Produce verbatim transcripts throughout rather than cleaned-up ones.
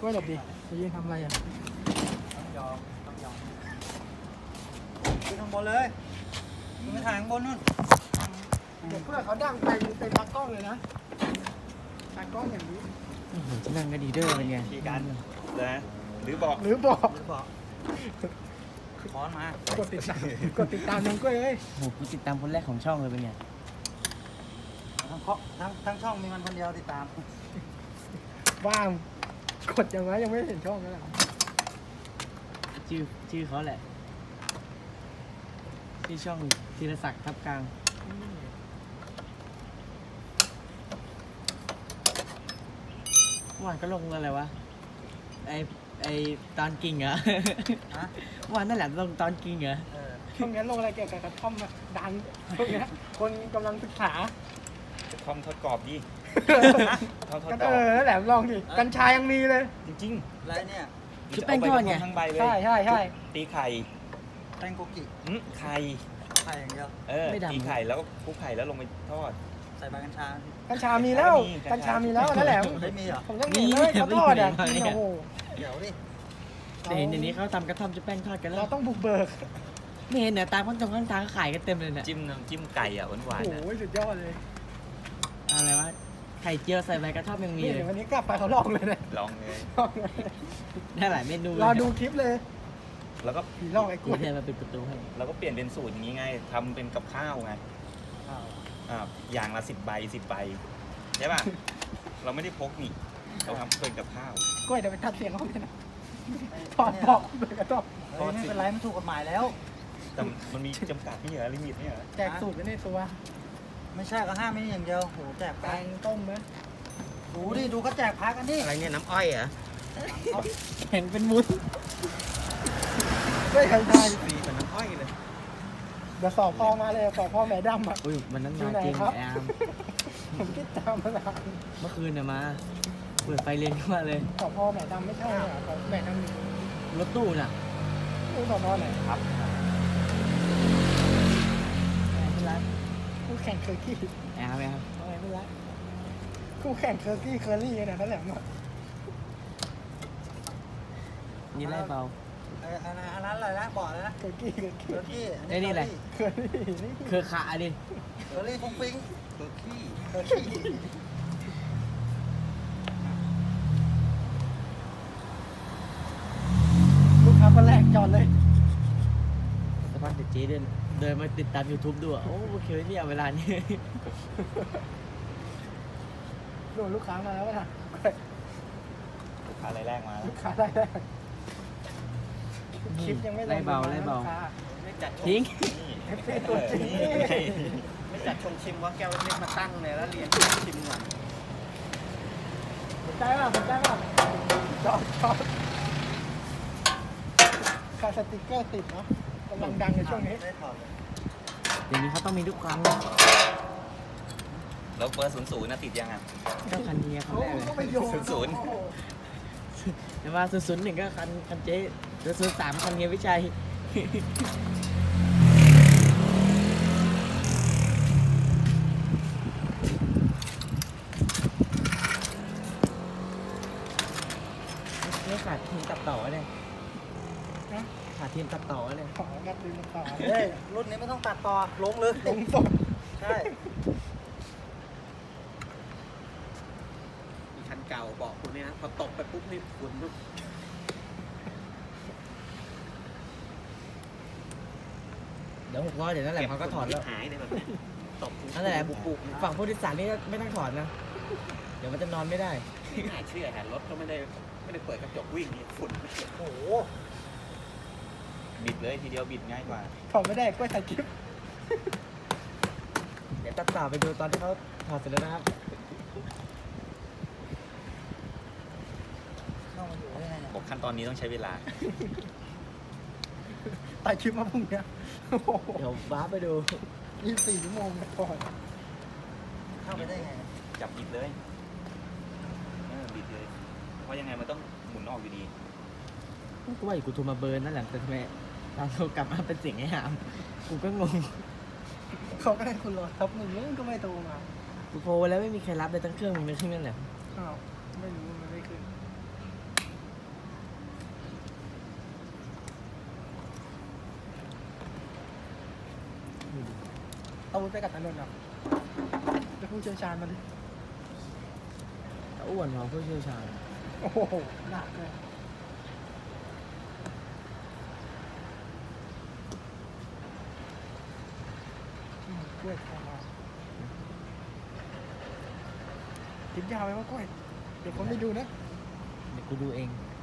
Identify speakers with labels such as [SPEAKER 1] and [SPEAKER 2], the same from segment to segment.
[SPEAKER 1] กล้วยหลบดิจะยืนทำอะไรอ่ะ
[SPEAKER 2] ต้องยอมต้องยอมขึ้นข้างบนเลยมึงไปถ่ายข้างบนนู่น
[SPEAKER 1] เดี๋ยวเพื่อนเขาดังไปเป็นตากล้องเลยนะตากล้องอย่างนี้
[SPEAKER 3] โอ้โหจะนั่งกันดีเด้อเป็นไง
[SPEAKER 4] ทีกันเลยหรือบอก
[SPEAKER 1] หรือบอก
[SPEAKER 2] หรือบอกค้อนมาก
[SPEAKER 1] ดติดตามกดติดตามน้องกล้วยเลย
[SPEAKER 3] โอ้โหกูติดตามคนแรกของช่องเลยเป็นไง
[SPEAKER 2] ทั้งเคาะทั้งทั้งช่องมีมันคนเดียวติดตาม
[SPEAKER 1] ว่างกดยังไงยังไม่เห็นช่องนั่นแหละ
[SPEAKER 3] ชื่อชื่อเขาแหละชื่อช่องธีรศักดิ์ทับกลางเมื่อวานก็ลงอะไรวะไอไอตอนกิ่งเหรอ
[SPEAKER 2] ฮะ
[SPEAKER 3] เมื่อวานนั่นแหละลงตอนกิ่งเหรอ
[SPEAKER 2] เออ
[SPEAKER 1] ช่วงนี้ลงอะไรเกี่ยวกับกระท่อมอะดังช่วงนี้คนกำลังศึกษา
[SPEAKER 4] ทอมทอดกรอบดิทอมทอด
[SPEAKER 1] กัน
[SPEAKER 4] กร
[SPEAKER 1] เอ
[SPEAKER 4] อบ
[SPEAKER 1] อแหลมลองดิกัญชายังมีเลย
[SPEAKER 4] จริง
[SPEAKER 2] ไรเนี่ย
[SPEAKER 4] ๆ
[SPEAKER 3] คือแป้งทอดไง
[SPEAKER 4] ทั้งใบเลย
[SPEAKER 1] ใช่ใช่ใช่
[SPEAKER 4] ตีไข่
[SPEAKER 2] แป้งโกกิ
[SPEAKER 4] อืมไข่
[SPEAKER 2] ไข่อย่างเดียว
[SPEAKER 4] เออตีไข่แล้วก็คลุกไข่แล้วลงไปทอด
[SPEAKER 2] ใส่ใบกัญชา
[SPEAKER 1] กัญชามีแล้ว
[SPEAKER 4] มีกั
[SPEAKER 1] กัญ
[SPEAKER 4] ญ
[SPEAKER 1] ชา
[SPEAKER 4] ชามี
[SPEAKER 1] มีแล้วนั่นแหละ
[SPEAKER 2] ไม่มีเหรอ
[SPEAKER 1] ผมยังเห็นเลยเขาทอดอ่ะกินโอ้โห
[SPEAKER 2] เดี๋ยวดิ
[SPEAKER 3] แต่เห็นอย่างนี้เขาทำกระท่อมจะแป้งทอดกันแล้
[SPEAKER 1] เรา
[SPEAKER 3] ว
[SPEAKER 1] ต้องบุกเบิก
[SPEAKER 3] ไม่เห็นเนี่ยตามข้างตรงข้างทางก็ขายกันเต็มเลยเนี่ย
[SPEAKER 4] จิ้มน้ำจิ้มไก่อ่ะหวาน
[SPEAKER 1] โอ้
[SPEAKER 4] ๆ
[SPEAKER 1] โห
[SPEAKER 4] นะ
[SPEAKER 1] สุดยอดเลย
[SPEAKER 3] อะไรวะไข่เจียวใส่ใบกระท่อมยังมี
[SPEAKER 1] นี่
[SPEAKER 3] เลย
[SPEAKER 1] เดี๋ยววันนี้กลับไปเขาลองเลยนะ
[SPEAKER 4] ลองเลย
[SPEAKER 1] ลองเลย
[SPEAKER 3] ได้หลายเมนูเลย
[SPEAKER 1] รอดูคลิปเลย
[SPEAKER 4] แล้วก็
[SPEAKER 1] ผีลองไอ้กล้
[SPEAKER 3] กู
[SPEAKER 1] วย
[SPEAKER 3] เดินมาปิดประตูให้
[SPEAKER 4] เราก็เปลี่ยนเป็นสูตรอย่างนี้ไงทำเป็นกับข้าวไง
[SPEAKER 2] อ้าว
[SPEAKER 4] อ่าอย่างละสิบใบสิบใบใช่ป่ะ เราไม่ได้พกนี่เราทำเป็นกับข้าว
[SPEAKER 1] กล้วยเดี๋ยวไปตัดเสียงเขาเลยนะถอดปอกเลยก็ต้อง
[SPEAKER 2] เฮ้ยไม่เป็นไรมันถูกกฎหมายแล้ว
[SPEAKER 4] แต่มันมีจำกัดนี่เหรอลิมิตนี่เหรอ
[SPEAKER 1] แจกสูตรไว้ในตัว
[SPEAKER 2] ไม่ใช่ก็ห้ามไม่อย่างเดียวโหแจก
[SPEAKER 1] แก
[SPEAKER 2] พัก
[SPEAKER 1] งต้มไหม
[SPEAKER 2] ดูดิดูก็แจกพักกันดิ
[SPEAKER 3] อะไรเนี่ยน้ำอ้อยเหรอ
[SPEAKER 1] เห็นเป็นมุ้นไม่เคยทาน
[SPEAKER 3] สีเหมือนน้ำอ้อยเลย
[SPEAKER 1] เดี๋ยวสอบพ่อมาเลยสอบพ่อแม่ดำอ่ะ
[SPEAKER 3] อุ้ยมันนั้น
[SPEAKER 1] อยู่
[SPEAKER 3] มา
[SPEAKER 1] ไหน
[SPEAKER 3] จริง
[SPEAKER 1] ครับ
[SPEAKER 3] แอม
[SPEAKER 1] ผมคิดตามมาแล้ว
[SPEAKER 3] เมื่อคืนเนี่ยมาเปิดไฟเลนเข้ามาเลย
[SPEAKER 1] สอบพ่อแม่ดำไม่ใช่เหรอสอบแม่ดำมี
[SPEAKER 3] รถตู้น่ะ
[SPEAKER 1] ผู้สอบพ่อไหน
[SPEAKER 4] ครับ
[SPEAKER 1] ไม่รักคู่แข่งเคอร์กี้
[SPEAKER 3] แอมไหมครับ
[SPEAKER 1] อะไรไม่รักคู่แข่งเคอร์กี้เคอร์รี่เนี่ยนั่นแหละหมด
[SPEAKER 3] นี่ไล่เบา
[SPEAKER 2] ไอ้อันนั้นอันนั้นอะไรนะบอกเลยนะ
[SPEAKER 1] เคอร์กี้เคอร์
[SPEAKER 2] เค
[SPEAKER 1] กี้
[SPEAKER 2] อร์กี้
[SPEAKER 3] ไอ้นี่อะไร
[SPEAKER 1] เคอร์รี่นี่
[SPEAKER 3] เครือขาดิ
[SPEAKER 2] เคอร์รี่ฟุ้งฟิ้ง
[SPEAKER 4] เคอร์กี้
[SPEAKER 2] เคอร์กี้
[SPEAKER 1] ลูกค้าคนแรกจอดเลย
[SPEAKER 3] สภาพเด็กเจ๊เดินเดินมาติดตาม YouTube ดูอ่ะโอ้โอเคนี่เอาเวลานี้
[SPEAKER 1] โดนลูกค้ามาแล้วนะ
[SPEAKER 4] ลูกค้ารายแรกมาแล้ว
[SPEAKER 1] ลูกค้าได้ได้คลิปยังไม่ลง
[SPEAKER 3] ไล่เบาไล่เบา
[SPEAKER 1] ลูกค้
[SPEAKER 2] ไม่จัด
[SPEAKER 3] ทิ้ง
[SPEAKER 4] นี่
[SPEAKER 1] เอฟซีตัวจริง
[SPEAKER 4] นี่
[SPEAKER 2] ไม่จัดชงชิมว่าแก้วเล็กๆมาตั้งเลยแล้วเรียนชิมก่อน
[SPEAKER 1] สนใจป่ะสนใจป่ะจอดจอดค่าสติกเกอร์ติดเนาะกำลังดังในช่วงนี้
[SPEAKER 2] ได้ถอดเลย
[SPEAKER 3] เดี๋ยวนี้เขาต้องมีทุกครั้ง
[SPEAKER 4] แล้วเบอร์ศูนย์ศูนย์นะติดยังอ่ะ
[SPEAKER 3] เจ้าคันนี้เขาแรกเลย
[SPEAKER 1] ก็ไปโยน
[SPEAKER 4] ศูนย์
[SPEAKER 1] โอ้โห
[SPEAKER 3] แต่ว่าศูนย์ศูนย์หนึ่งก็คันคันเจ๊ศูนย์ศูนย์สามคันเฮียวิชัย ไม่ขาดทีมตัดต่อเลย
[SPEAKER 1] นะ
[SPEAKER 3] ขาดทีมตัดต่อเลย
[SPEAKER 1] ขอนัดดูมาต่อ
[SPEAKER 2] เฮ้ยรุ่นนี้ไม่ต้องตัดต่อลงเลย
[SPEAKER 1] ลงสด
[SPEAKER 2] ใช่
[SPEAKER 5] มีคันเก่าบอกคุณเนี่ยนะพอตกไปปุ๊บนี่คุณปุ๊บ
[SPEAKER 3] เดี๋ยวหกร้อยเดี๋ยวนั่นแหละเขาก็ถอดแล้ว
[SPEAKER 5] หายเลยแบบเนี้ยตก
[SPEAKER 3] นั่นแหละบุกบุกฝั่งผู้โดยสารนี่ไม่ต้องถอดนะ เดี๋ยวมันจะนอนไม่ได้
[SPEAKER 5] ไม่น่าเชื่อฮะรถก็ไม่ได้ไม่ได้เปิดกระจกวิ่งนี่ฝุ่นไม่เกี่ยว
[SPEAKER 2] โอ้โห
[SPEAKER 4] บิดเลยทีเดียวบิดง่ายกว่า
[SPEAKER 1] ถอดไม่ได้กล้วยถ่ายคลิป
[SPEAKER 3] เดี๋ยวตัดต่อไปดูตอนที่เขาถอดเสร็จแล้วนะครับ
[SPEAKER 2] เข้ามาอยู่ได้ไงเนี่ย
[SPEAKER 4] บอกขั้นตอนนี้ต้องใช้เวลา
[SPEAKER 1] ถ่ายคลิปมาพรุ่งเนี้ยโอ้โห
[SPEAKER 3] เดี๋ยวว้าร์ปไปดู
[SPEAKER 1] ยี่สิบสี่ชั่วโมงก่อน
[SPEAKER 2] เข้าไปได้ไงเนี่ย
[SPEAKER 4] จับบิดเลยเออบิดเลย เพราะยังไงมันต้องหมุนออกอยู่ดี
[SPEAKER 3] กูว่าอยู่กูโทรมาเบิร์นนั่นแหละแต่ทำไมตอนโทรกลับมาเป็นเสียงไอ้หาม กูก็งง
[SPEAKER 1] เขาก็ให้คุณรอทับหนึ่งแล้วก็ไม่โทรมา
[SPEAKER 3] กูโทรไปแล้วไม่มีใครรับเลยตั้งเครื่องมึงเลยขึ้นนั่นแหละ
[SPEAKER 1] อ้าวไม่รู้มันไม่ขึ้นวุธไปกับถนนหรอกจะผู้เชี่ยวชาญมาดิ
[SPEAKER 3] อ้วนเราผู้เชี่ยวชาญ
[SPEAKER 1] โอ้โหหนักเลยอืมกล้วยทองมากินยาวไหมว่ากล้วยเดี๋ยวผมไปดูนะ
[SPEAKER 3] เดี๋ยวกูดูเอง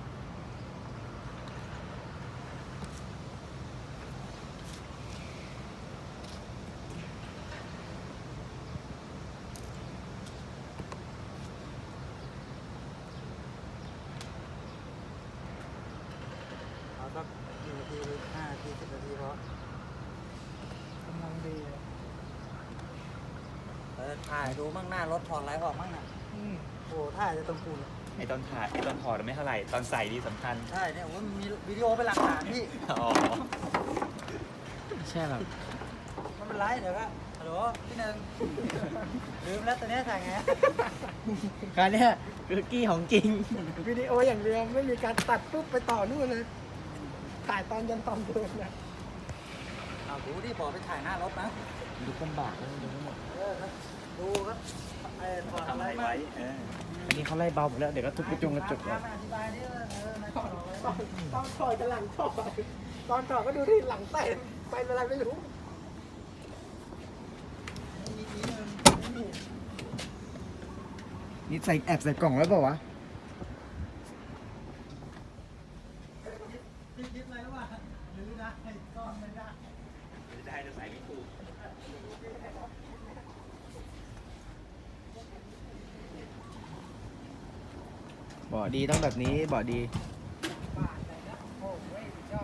[SPEAKER 2] เอาสักกี่นาทีห้านาทีสิบนาทีพอก
[SPEAKER 1] ำลังดีเลย
[SPEAKER 2] เออถ่ายดูมั่งหน้ารถถอดอะไรออกมั่งน่ะ
[SPEAKER 1] อืม
[SPEAKER 2] โอ้ถ่ายจะตรงปูน
[SPEAKER 4] ไอตอนถ่ายไอตอนถอดไม่เท่าไหร่ตอนใส่ดีสำคัญ
[SPEAKER 2] ใช่เนี่ยผมว่ามีวิดีโอเป็นหลักฐานพี่
[SPEAKER 4] อ๋อ
[SPEAKER 3] ใช่แบบ
[SPEAKER 2] ไม่เป็นไรเดี๋ยวก็ฮัลโหลพี่หนึ่งลืมแล้วตัวเนี้ยถ่ายไง
[SPEAKER 3] การเนี้ยคือกี้ของจริง
[SPEAKER 1] วิดีโออย่างเดียวไม่มีการตัดปุ๊บไปต่อนู่นเลยถ่ายตอนยันตอนเดินนะ
[SPEAKER 2] เอาดูดิบอกไปถ่ายหน้ารถนะ
[SPEAKER 3] ดูลำบากนะดูทั้งหมด
[SPEAKER 2] เออครับดูครับไอ้ถอด
[SPEAKER 4] ทำ
[SPEAKER 2] อะ
[SPEAKER 4] อะไร ไร
[SPEAKER 2] มา
[SPEAKER 4] ไว้เออ
[SPEAKER 3] อันนี้เขาไล่เบาหมดแล้ว เดี๋ยวก็ทุบกระจงกระจก
[SPEAKER 2] ค
[SPEAKER 3] แล้
[SPEAKER 2] รั
[SPEAKER 3] ว
[SPEAKER 2] บอธิบายดิว่าเออมาถอดอะไร
[SPEAKER 1] ตอนตอนถอยกับหลังถอยตอนถอยก็ดูที่หลังเต็มไปเป็นอะไรไม่รู้
[SPEAKER 3] นี่ใส่แอบใส่กล่องไว้เปล่าวะ
[SPEAKER 2] พี่คิดอะไรรู้ป่ะหรือได้ก็ไม่ได้
[SPEAKER 4] จะได้จะใส่ไม่ถูก
[SPEAKER 3] บ่อดีต้องแบบนี้บ่อดี
[SPEAKER 1] บาทเลยนะโอ้โหสุดยอด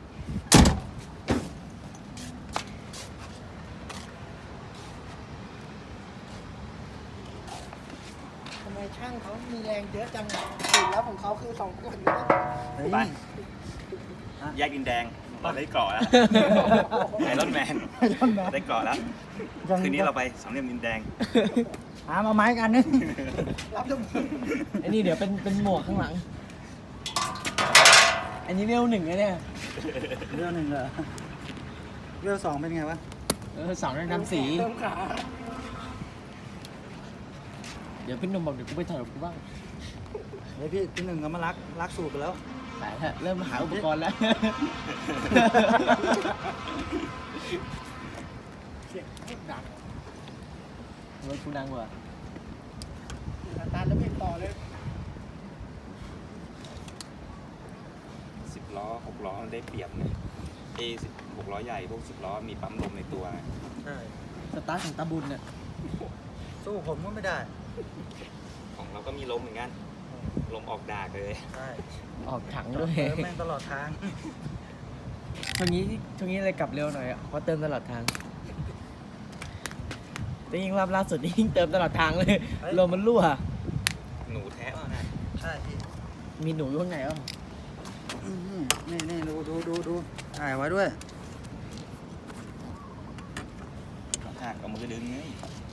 [SPEAKER 1] ทำไมช่างเขามีแรงเยอะจังอ่ะสีแล้วของเขาคือสองคนนะ
[SPEAKER 4] ไปแยกดินแดงเราได้เกาะแล้วไอรอนแมนได้เกาะแล้วคืนนี้เราไปสามเหลี่ยมดินแดง
[SPEAKER 2] หามาไม้กันนึง
[SPEAKER 1] รับจมูก
[SPEAKER 3] อันนี้เดี๋ยวเป็นเป็นหมวกข้างหลัง อันนี้เวลหนึ่งเลยเนี่ย
[SPEAKER 2] เรื่องหนึ่งเหรอเรื่องสองเป็นไงวะ
[SPEAKER 3] เออสองนั่นทำสี
[SPEAKER 1] เริ่มขา
[SPEAKER 3] เดี๋ยวพี่หนุ่มบอกเดี๋ยวกูไปถอดกับกูบ้าง
[SPEAKER 2] เดี๋ยวพี่พี่หนึ่งก็มารักรักสูตรไปแล้ว
[SPEAKER 3] ไปเถอะเริ่มหาอุปกรณ์แล้ว
[SPEAKER 1] เสียงพูดดัง
[SPEAKER 3] รถกูดังกว่า
[SPEAKER 1] สตาร์ทแล้วไม่ต่อเลย
[SPEAKER 4] สิบล้อหกล้อมันได้เปรียบนะเอสิบหกล้อใหญ่พวกสิบล้อมีปั๊มลมในตัวนะ
[SPEAKER 2] ใช่
[SPEAKER 3] สตาร์ทของตาบุญเนี่ย
[SPEAKER 2] สู้ผมก็ไม่ได้
[SPEAKER 4] ของเราก็มีลมเหมือนกันลมออกดากเลย
[SPEAKER 2] ใช่
[SPEAKER 3] ออกถังด้วย
[SPEAKER 2] เติมแม่งตลอดทาง
[SPEAKER 3] ช่วงนี้ช่วงนี้เลยกลับเร็วหน่อยอ่ะเพราะเติมตลอดทางแต่ยิ่งรอบล่าสุดนี่ยิ่งเติมตลอดทางเลยลมมันรั่ว
[SPEAKER 4] หนูแท้ป่ะนะ
[SPEAKER 2] ใช่พี่
[SPEAKER 3] มีหนูอยู่ข้างในอ่ะ
[SPEAKER 2] อื้อหือนี่นี่ดูดูดูดูถ่ายไว้ด้วย
[SPEAKER 4] หักเอามือดึงไง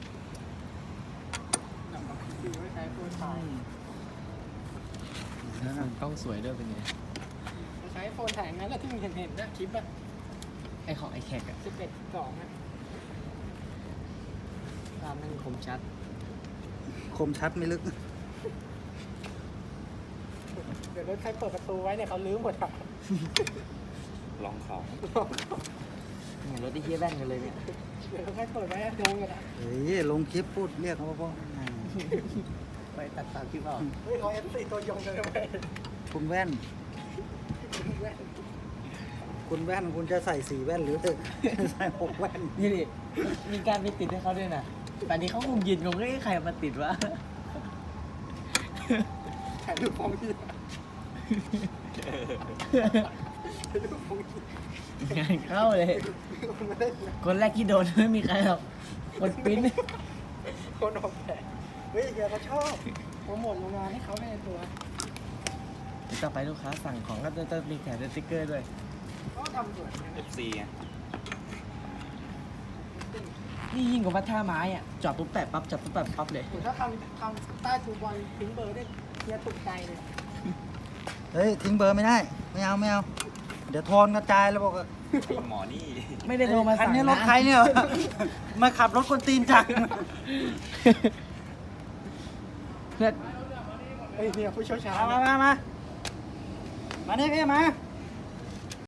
[SPEAKER 1] คือไม่ใช้โฟนถ่าย
[SPEAKER 3] กล้องสวยด้วยเป็นไง
[SPEAKER 1] ใช้โฟนถ่ายงั้นแหละที่มึงเห็นเห็นนะคลิปอะ
[SPEAKER 3] ไอของไอแขกอะ
[SPEAKER 1] สิบเอ็ดสองอะ
[SPEAKER 3] ภาพมันคมชัด
[SPEAKER 2] คมชัดไม่ลึก
[SPEAKER 1] เดี๋ยวรถใครเปิดประตูไว้เนี่ยเขาลื้อหมดอะ
[SPEAKER 4] ลองของ
[SPEAKER 3] เหมือนรถที่เฮียแว่นกันเลยเนี่ย
[SPEAKER 1] เดี๋ยวรถใครเปิดไว้โดนกันอะ
[SPEAKER 2] เฮ้ยลงคลิปพูดเรียกเขาว่าพ่อ
[SPEAKER 3] ไปตัดตามคลิปเอา
[SPEAKER 1] เฮ้ยเขาเอฟซีตัวยงเลยนะเว้ย
[SPEAKER 2] คุณแว่น
[SPEAKER 1] แว่น
[SPEAKER 2] คุณแว่นคุณจะใส่สีแว่นหรือ ใส่หกแว่น
[SPEAKER 3] นี่ดิมีการไปติดให้เขาด้วยนะแต่นี้เขาคงยืนงงว่าใครเอามาติดวะ
[SPEAKER 1] ถ่ายรูปของพี่ถ่ายรูปของพี่
[SPEAKER 3] งานเข้าเลย
[SPEAKER 1] คนไม่ได้
[SPEAKER 3] คนแรกที่โดนไม่มีใครหรอกคนปริ้น
[SPEAKER 1] คนออกแบบเฮ้ยเดี๋ยวเขาชอบโปรโมทโรงงานให้เขาในตัว
[SPEAKER 3] ต่อไปลูกค้าสั่งของก็จะจะมีแถมสติ๊กเกอร์ด้วย
[SPEAKER 1] ก็ทำสวยนะ
[SPEAKER 4] เอฟซีไง
[SPEAKER 3] นี่ยิ่งกว่าวัดท่าไม้อ่ะจอดปุ๊บแปะปั๊บจอดปุ๊บแปะปั๊บเลย
[SPEAKER 1] ถ้าทำทำใต้ทูบอลทิ้งเบอร์ได้เนี่ยถูกใจเลย
[SPEAKER 2] เฮ้ยทิ้งเบอร์ไม่ได้ ไม่เอาไม่เอาเดี๋ยวโทนกระจายแล้วบอกว่า
[SPEAKER 4] หมอนี่
[SPEAKER 3] ไม่ได้โทรมา
[SPEAKER 2] คัน
[SPEAKER 3] สั่ง
[SPEAKER 2] นี้รถ
[SPEAKER 3] นะ
[SPEAKER 2] ใครเนี่ย มาขับรถคนตีนจัง
[SPEAKER 3] เพื่อน
[SPEAKER 1] เฮ้ยเนี่ยผู้เชี่ยวชาญ
[SPEAKER 2] มามามามามานี่พี่มา